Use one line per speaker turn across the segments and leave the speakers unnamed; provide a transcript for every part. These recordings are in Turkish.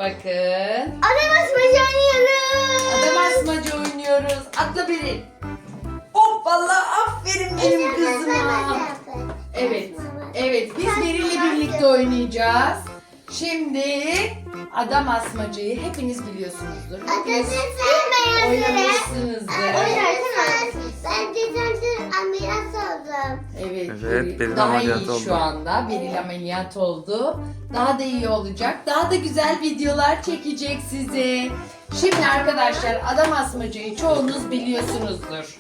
Bakın.
Adam asmacı oynuyoruz.
Adam asmaca oynuyoruz. Atla biri. Hop vallahi aferin benim kızıma. Evet. Evet biz Beril'le birlikte oynayacağız. Şimdi adam asmacayı hepiniz biliyorsunuzdur. Hepiniz oynamışsınızdır.
Ben geçen ameliyat oldum.
Evet,
Evet, Beril
daha
ameliyat
iyi
oldu.
şu anda. Beril ameliyat oldu. Daha da iyi olacak. Daha da güzel videolar çekecek size. Şimdi arkadaşlar adam asmacayı çoğunuz biliyorsunuzdur.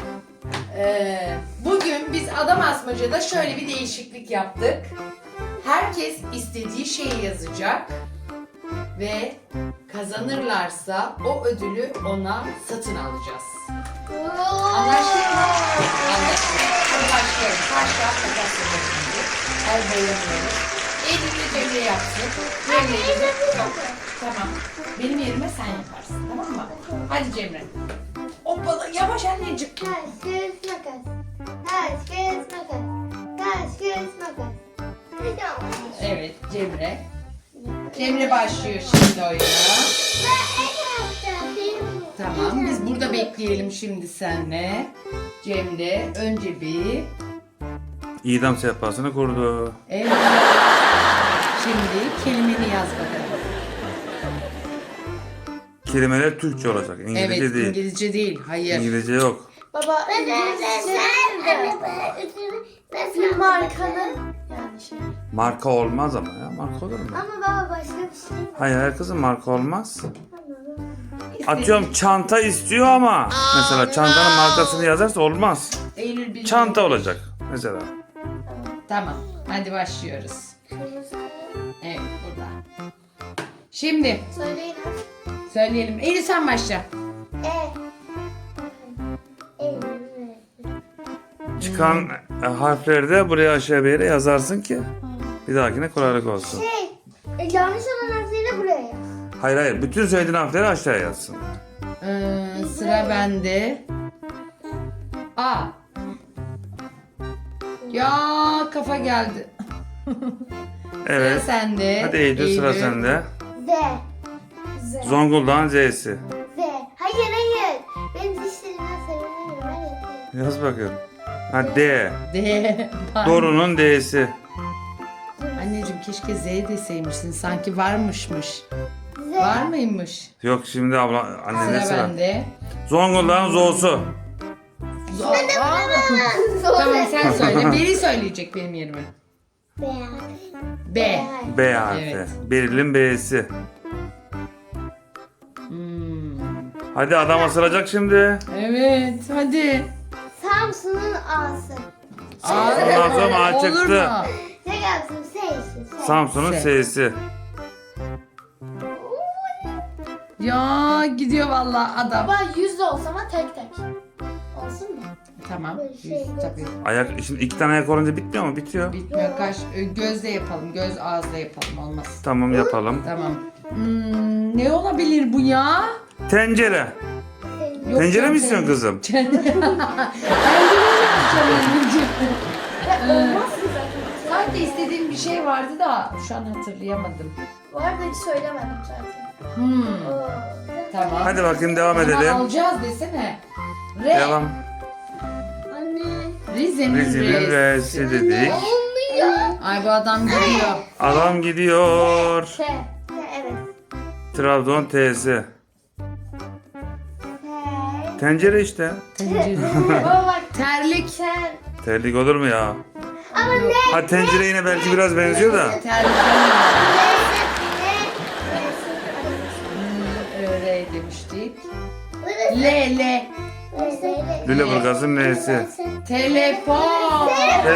Bugün biz adam asmacada şöyle bir değişiklik yaptık. Herkes istediği şeyi yazacak ve kazanırlarsa o ödülü ona satın alacağız. Anlaştık mı? Anlaştık. Hadi başlayalım. Taş kağıt makas yapalım. El boyamıyoruz. Eylül'le Cemre yapsın. Cemre Tamam. Benim yerime sen yaparsın. Tamam mı? Hadi Cemre. Hoppala yavaş anneciğim.
Taş, kağıt, makas. Taş, kağıt, makas. Taş, kağıt, makas.
Evet Cemre. Cemre başlıyor şimdi oyuna.
Ben en yaptım.
Tamam biz burada bekleyelim şimdi senle. Cemre önce bir...
İdam sehpasını kurdu.
Evet. Şimdi kelimeni yaz bakalım.
Kelimeler Türkçe olacak. İngilizce
Evet
değil.
İngilizce değil. Hayır.
İngilizce yok.
Baba, ben markanın yani şey.
Marka olmaz ama ya. Marka olur mu?
Ama baba başka bir şey.
Hayır her kızın marka olmaz. Atıyorum çanta istiyor ama mesela çantanın markasını yazarsa olmaz.
Eylül bir...
Çanta olacak mesela.
Tamam. Hadi başlıyoruz. Evet burada. Şimdi
Söyleyin.
söyleyelim. Eylül sen başla.
Çıkan harfleri de buraya aşağı bir yere yazarsın ki bir dahakine kolaylık olsun.
Yanlış olan harfleri buraya yaz.
Hayır. Bütün söylediğin harfleri aşağıya yazsın.
Sıra bende. A. Ya kafa geldi.
Evet.
Sıra sende.
Hadi Eylül sıra sende.
Z.
Zonguldak'ın Z'si.
Z. Hayır. Benim dişlerimden sevinirim. Ben yapayım.
Yaz bakayım. Ha D.
D.
Doğru'nun D'si.
Anneciğim keşke Z deseymişsin. Sanki varmışmış.
Z.
Var mıymış?
Yok şimdi abla annene
Sıra
sıra.
bende.
Zonguldak'ın Zo'su.
Tamam sen söyle. Biri söyleyecek benim yerime. B.
B harfi.
Evet.
Beril'in B'si. Hadi adam asılacak şimdi.
Evet hadi.
Samsun'un A'sı.
Ondan sonra A
Olur
çıktı.
mu?
Ne gelsin? S'si.
Samsun'un
S.
S'si.
Ya gidiyor vallahi adam.
Baba 100 de olsa ama tek tek. Olsun mu?
Tamam.
Şey,
Tabii.
Ayak, şimdi iki tane ayak olunca bitmiyor mu? Bitiyor.
Bitmiyor. Gözle yapalım. Göz ağızla yapalım. Olmaz.
Tamam yapalım.
Tamam. Ne olabilir bu ya?
Tencere.
Yok
Tencere
ya,
mi istiyorsun kızım?
Tencere mi yapacağım?
Olmaz ki zaten.
Sanki istediğim bir şey vardı da şu an hatırlayamadım.
Bu arada hiç söylemedim zaten.
Tamam.
Hadi bakayım devam
O zaman
edelim.
alacağız desene. R.
Devam.
Anne.
Rize'nin
Rize'nin
R'si.
R'si dedik.
Olmuyor.
Ay bu adam gidiyor.
Adam gidiyor.
T. Evet.
Trabzon T'si.
T.
Tencere işte.
Tencere.
Baba bak.
Terlik.
Sen.
Terlik olur mu ya?
Ama ne?
Ha tencere yine belki biraz benziyor da.
Terlik. R demiştik. L.
Lüleburgaz'ın N'si.
Telefon.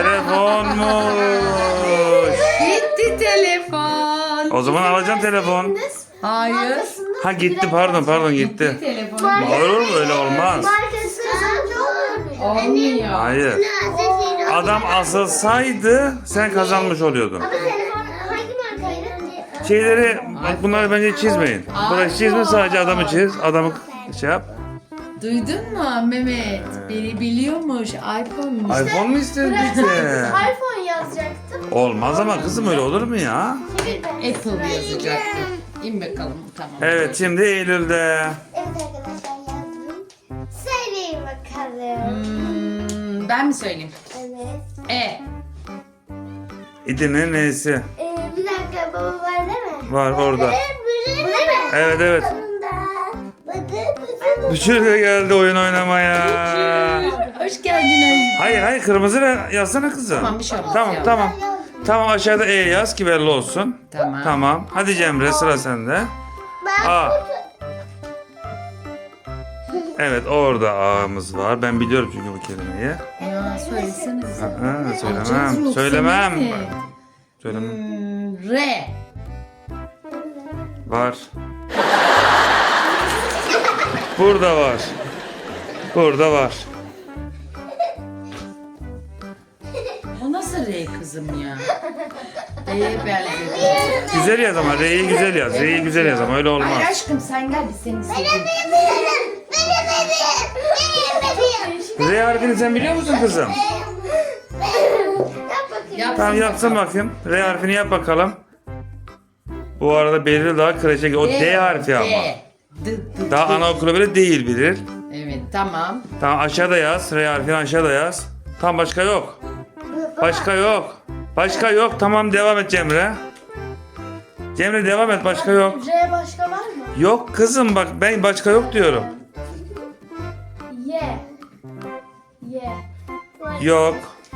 Telefonmuş.
Gitti telefon.
O zaman alacağım telefon.
Hayır.
Ha gitti pardon gitti.
Telefon.
Olur mu öyle olmaz.
Markası kazancı olur mu?
Olmuyor.
Hayır. Adam asılsaydı sen kazanmış oluyordun.
Ama telefon hangi markaydı?
Şeyleri bak bunları bence çizmeyin. Burayı çizme sadece adamı çiz. Adamı şey yap.
Duydun mu Mehmet? Biri biliyormuş. iPhone'muş.
iPhone mu istedin bize?
iPhone yazacaktım.
Olmaz ama kızım öyle olur mu ya?
Apple yazacaktı. İn bakalım. Tamam.
Evet şimdi Eylül'de.
Evet arkadaşlar yazdım. Söyleyin bakalım.
Ben mi söyleyeyim?
Evet.
E.
İdil'in neyse.
Bir dakika baba var değil mi?
Var orada.
Bu değil mi?
Evet evet. Büşür de geldi oyun oynamaya.
Hoş geldin.
Hayır kırmızı yazsana kızım.
Tamam, bir şey olmaz
Tamam
ya.
tamam. Tamam aşağıda E yaz ki belli olsun.
Tamam.
Tamam. Hadi Cemre sıra sende. A. Evet orada A'mız var. Ben biliyorum çünkü bu kelimeyi.
Ya söylesene bize.
Ha, söylemem. Söylemem. Söylemem.
R.
Var. Burada var. Burada var.
O nasıl R kızım ya? R'ye benziyor.
Güzel yaz ama R'yi güzel yaz. R'yi güzel yaz ama öyle olmaz.
Hayır aşkım sen gel biz seni sevdik.
R harfini sen biliyor musun kızım?
Yap.
Tamam yapsın bakayım. R harfini yap bakalım. Bu arada Beril daha kreşe gidiyor. O D harfi ama. Daha anaokulu bile değil bilir.
Evet tamam.
Tamam aşağıda yaz. R harfini aşağıda yaz. Tam başka yok. Başka yok. Başka yok. Tamam devam et Cemre. Cemre devam et. Başka yok.
R başka var mı?
Yok kızım bak ben başka yok diyorum.
Y. Y.
Yok.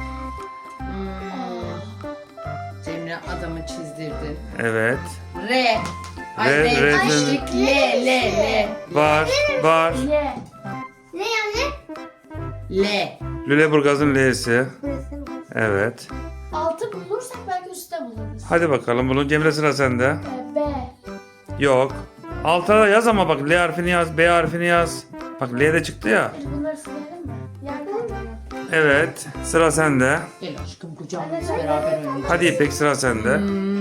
Cemre adamı çizdirdin.
Evet.
R. Ay
R,
R.
R,
Açtık. L.
Var. Var.
Y. Ne yani?
L.
Lüleburgaz'ın L'si. Evet.
Altı bulursak belki üstte buluruz.
Hadi bakalım bunu. Cemre sıra sende.
B.
Yok. Altta da yaz ama bak L harfini yaz, B harfini yaz. Bak L de çıktı ya.
Bunları silelim mi? Yardım.
Evet. Sıra sende.
Gel aşkım kucağımız beraber oynayacağız.
Hadi İpek sıra sende.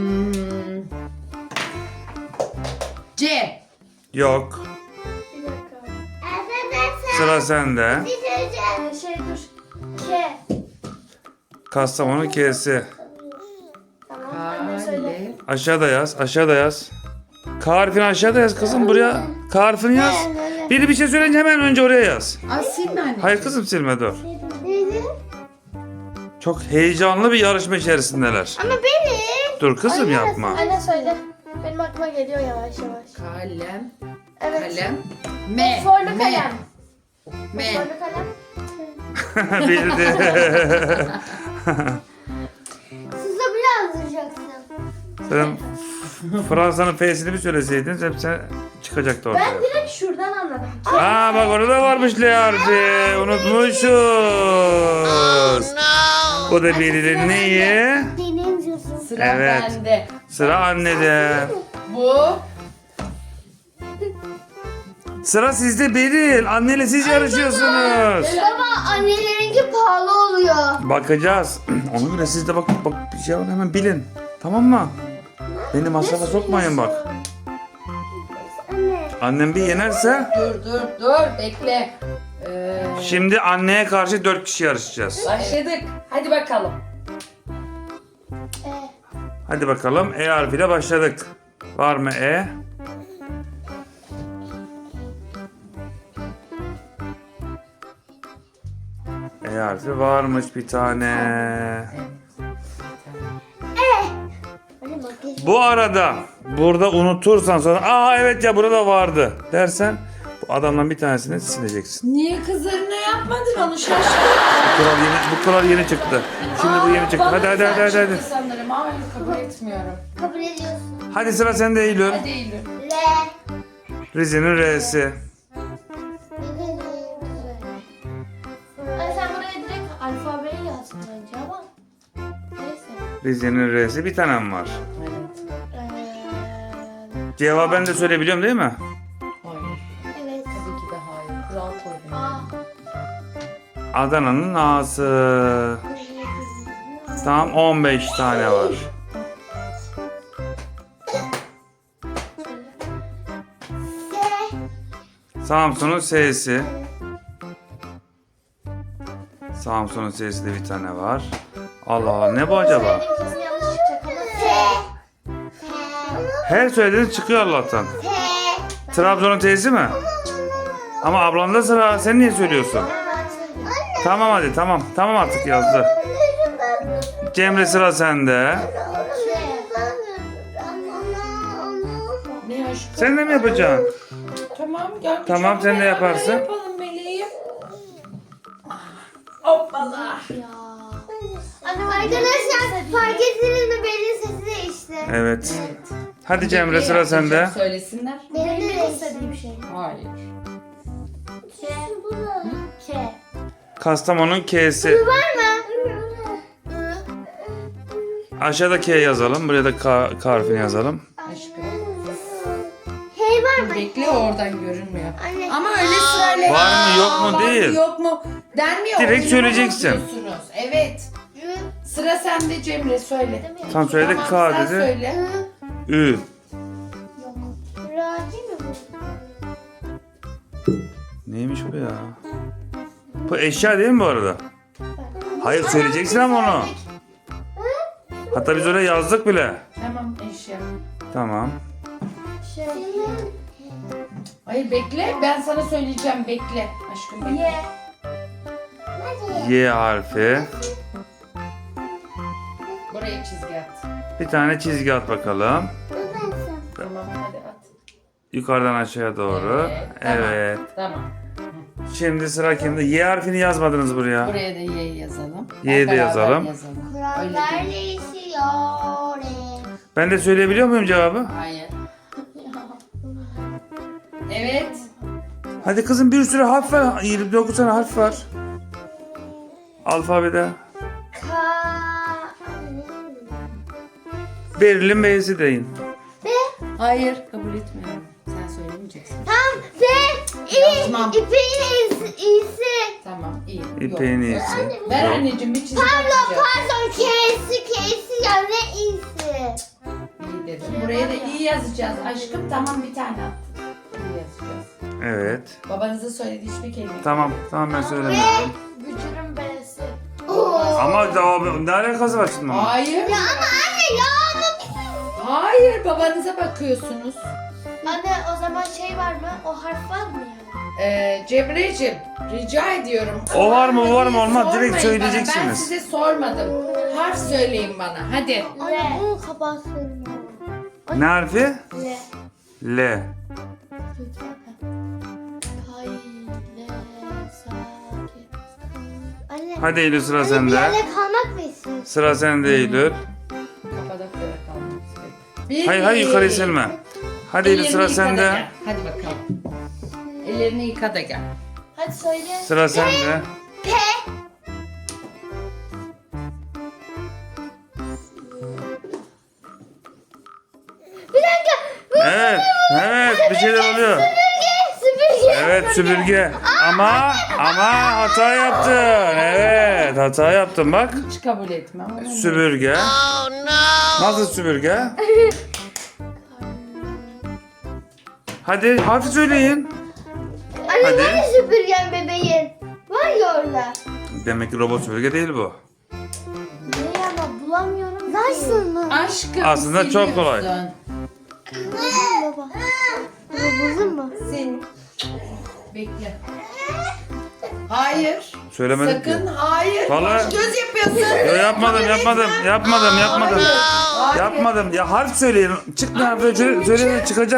C.
Yok.
Bir dakika.
Sıra sende.
Şey dur. K.
Kastamonu K'si.
Tamam. Anne söyle.
Kale.
Aşağıda yaz. Aşağıda yaz. K harfini aşağıda yaz kızım buraya. K harfini yaz. Biri bir şey söyleyince hemen önce oraya yaz.
Aa silme anne.
Hayır kızım silme dur.
Neydi?
Çok heyecanlı bir yarışma içerisindeler.
Ama benim.
Dur kızım yapma.
Anne söyle. Benim aklıma geliyor yavaş yavaş.
Kalem.
Evet.
Kalem. M.
Forlu
M.
kalem.
M.
Forlu kalem.
Bildi.
Siz de bile yazacaksın.
Sen Fransa'nın F'sini bir söyleseydin hepsi çıkacaktı ortaya.
Ben direkt şuradan anladım.
Aa bak orada varmış L harfi. Unutmuşuz. Bu da birilerinin neyi?
Benim diyorsun.
Sıra
Evet.
bende.
Sıra annede.
Bu.
Sıra sizde Beril. Anneyle siz yarışıyorsunuz.
Baba annelerinki pahalı oluyor.
Bakacağız. Ona göre siz de bak bir şey var hemen bilin. Tamam mı? Beni masrafa sokmayın bak.
Anne.
Annem bir yenerse
Dur bekle.
şimdi anneye karşı 4 kişi yarışacağız.
Başladık. Hadi bakalım.
Hadi bakalım E harfiyle başladık. Var mı E? E harfi varmış bir tane.
Anne bak.
Bu arada burada unutursan sonra aa evet ya burada vardı dersen bu adamdan bir tanesini sileceksin.
Niye kızlarına yapmadın onu şaşkın?
Bu kural yeni çıktı. Şimdi bu yeni çıktı. Hadi.
Sanırım. Hayır kabul etmiyorum.
Kabul ediyorsun.
Hadi sıra sende Eylül.
Hadi Eylül.
L.
Rize'nin R'si.
Anne sen buraya direkt alfabeyi yazdın bence ama. Neyse.
Rize'nin R'si bir tanem var.
Evet.
Cevabı ben de söyleyebiliyorum değil mi?
Hayır.
Evet.
Tabii ki de hayır. Kural koydum.
A.
Adana'nın A'sı. Tamam 15 tane var. Samsun'un S'si. Samsun'un S'si de bir tane var. Allah Allah ne bu acaba?
Kesin yanlış çıkacak ama. S.
Her söylediğiniz çıkıyor Allah'tan. Trabzon'un T'si mi? Ama ablanda sıra. Sen niye söylüyorsun? Tamam hadi tamam. Tamam artık yazdı. Cemre sıra sende.
Ne aşkım?
Sen de mi yapacaksın?
Tamam gel.
Tamam, sen de
beraber
yaparsın.
Yapalım meleğim. Hoppala.
Ya. Anne arkadaşlar fark ettiniz mi? Benim sesi değişti.
Evet.
Evet.
Hadi Cemre sıra
yapacağım,
sende.
Söylesinler.
Benim istediğim şey.
Hayır.
K.
Kastamonu'nun K'si.
Var mı?
Aşağıda K yazalım. Buraya da K harfini yazalım.
Aşkım.
Hey var mı?
Bekle oradan görünmüyor.
Anne.
Ama öyle sırayla.
Var mı, yok mu
Var mı,
değil.
yok mu denmiyor.
Direkt
oyununa
söyleyeceksin.
bakıyorsunuz. Evet. Sıra sende Cemre söyle.
Tam söyledik
Tamam,
K
sen
dedi.
söyle.
Ü.
Yok. Raci mi bu?
Neymiş bu ya? Bu eşya değil mi bu arada? Hayır söyleyeceksin ama onu. Hatta biz öyle yazdık bile.
Tamam eşya.
Tamam.
Şey.
Hayır bekle ben sana söyleyeceğim bekle. Aşkım bekle.
Ye.
Y harfi.
Buraya çizgi at.
Bir tane çizgi at bakalım.
Tamam hadi at.
Yukarıdan aşağıya doğru.
Tamam,
Evet.
Tamam.
Şimdi sıra kimde? Y harfini yazmadınız buraya.
Buraya da Y yazalım.
Y'yi de
Beraber
yazalım.
Kurallar değişiyor.
Ben de söyleyebiliyor muyum cevabı?
Hayır. Evet.
Hadi kızım bir sürü harf var. 29 tane harf var. Alfabede. Beril'in B'si deyin.
Hayır kabul etmiyorum. Sen söylemeyeceksin.
Tam ve
Yazmam.
ipeğin iyisi.
Tamam iyi.
İpeğin
Yok.
iyisi.
Ver
Yok.
anneciğim bir çizgi
Pardon
atacağım.
pardon K'si ya ne iyisi.
İyi dedim. Buraya da iyi yazacağız. Aşkım tamam bir tane at. İyi yazacağız.
Evet.
Babanızın söylediği hiçbir kelime.
Tamam. Tamam ben söylemiyorum.
Gücürün B'si.
Ama daha ne alakası var şimdi? bunun?
Hayır.
Ya ama anne ya ama
Hayır babanıza bakıyorsunuz.
Anne o zaman şey var mı? O harf var mı yani?
Cemre'cim rica ediyorum.
O var mı, bu var mı,
diye
olmaz. Direkt
sormayın bana. Ben
söyleyeceksiniz.
size sormadım. Harf söyleyin bana hadi.
Anne bunu kapatsın.
Ne harfi?
Le.
L.
Kay, le, sakin. Anne.
Hadi Eylül sıra
Anne bir
sende.
yerde kalmak mı istiyorsun?
Sıra sende Eylül.
Kapadokya'da kalmak istedim.
Hayır hayır yukarı silme. Hadi Eylül sıra
Ellerini yıka da
sende.
gel. Hadi bakalım. Ellerini yıka da gel.
Hadi söyle.
Sıra sende.
P. Bir dakika. Bu
Evet. Evet bir şeyler oluyor.
süpürge.
Evet süpürge. Ama hata yaptın. Evet hata yaptın bak.
Hiç kabul etmem. ama
Süpürge. Nasıl süpürge? Hadi harfi söyleyin.
Anne
Hadi.
nerede süpürgen bebeğin? Var ya orada.
Demek ki robot süpürge değil bu.
Ne ama bulamıyorum. Nasıl mı?
Aşkım
Aslında çok kolay.
siliyorsun.
Baba. Baba buldun mu?
Sil. Bekle. Hayır.
Söylemedim ki.
Sakın hayır.
Vallahi-
Baş göz yapıyorsun.
Yo, yapmadım.
Hayır.
Yapmadım. Ya harf söyleyin. Çık ne harfi söyle çıkacak.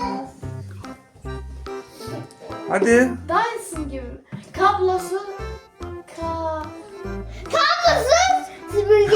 Hadi.
Dyson gibi. Kablosu. Kablosu süpürge.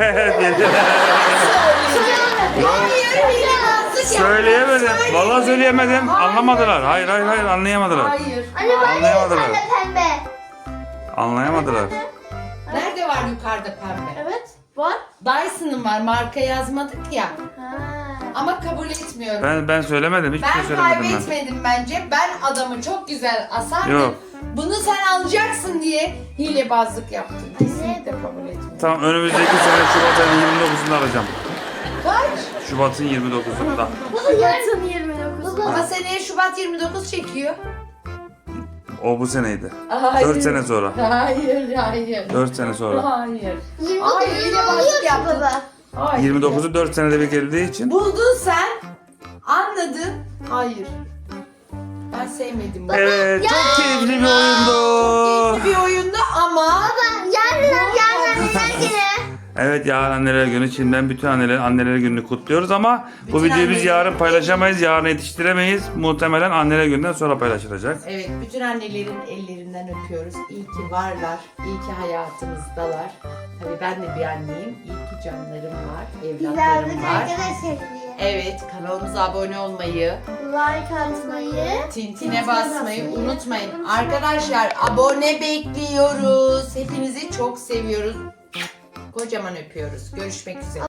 Söyleyemedim. Vallahi söyleyemedim. Anlamadılar. Hayır anlayamadılar.
Hayır.
Anne var ya
Anlayamadılar.
yukarıda pembe.
Anlayamadılar.
Nerede var yukarıda pembe?
Evet. Var.
Dyson'ın var. Marka yazmadık ya.
Ha.
Ama kabul etmiyorum.
Ben söylemedim. Hiçbir şey
Ben
söylemedim ben.
kaybetmedim bence. Ben adamı çok güzel asardım.
Yok.
Bunu sen alacaksın diye hilebazlık yaptın. Kesinlikle kabul etmiyorum.
Tamam önümüzdeki sene Şubat ayının 29'unda alacağım.
Kaç?
Şubat'ın 29'unda.
Baba yarın 29.
Ama seneye Şubat 29 çekiyor.
O bu seneydi.
Hayır.
4 sene sonra.
Hayır.
4 sene sonra.
Hayır.
29
Hayır,
gün
hilebazlık
oluyor ki
yaptın.
baba.
Hayır.
29'u 4 senede bir geldiği için.
Buldun sen. Anladın. Hayır. Ben sevmedim bunu.
Evet, çok keyifli bir oyundu.
Keyifli bir oyundu ama
Yarın anneler günü.
Evet, yarın anneler günü. Şimdiden bütün anneler gününü kutluyoruz ama bu
Bütün
videoyu biz
anneler
yarın
günü.
paylaşamayız. Yarın yetiştiremeyiz. Muhtemelen anneler gününden sonra paylaşılacak.
evet, bütün annelerin ellerinden öpüyoruz. İyi ki varlar. İyi ki hayatımızdalar. Tabii ben de bir anneyim. İyi ki canlarım var. Evlatlarım var.
arkadaşlar.
Evet, kanalımıza abone olmayı,
Like atmayı.
tintine basmayı unutmayın. Arkadaşlar abone bekliyoruz. Hepinizi çok seviyoruz. Kocaman öpüyoruz. Görüşmek üzere.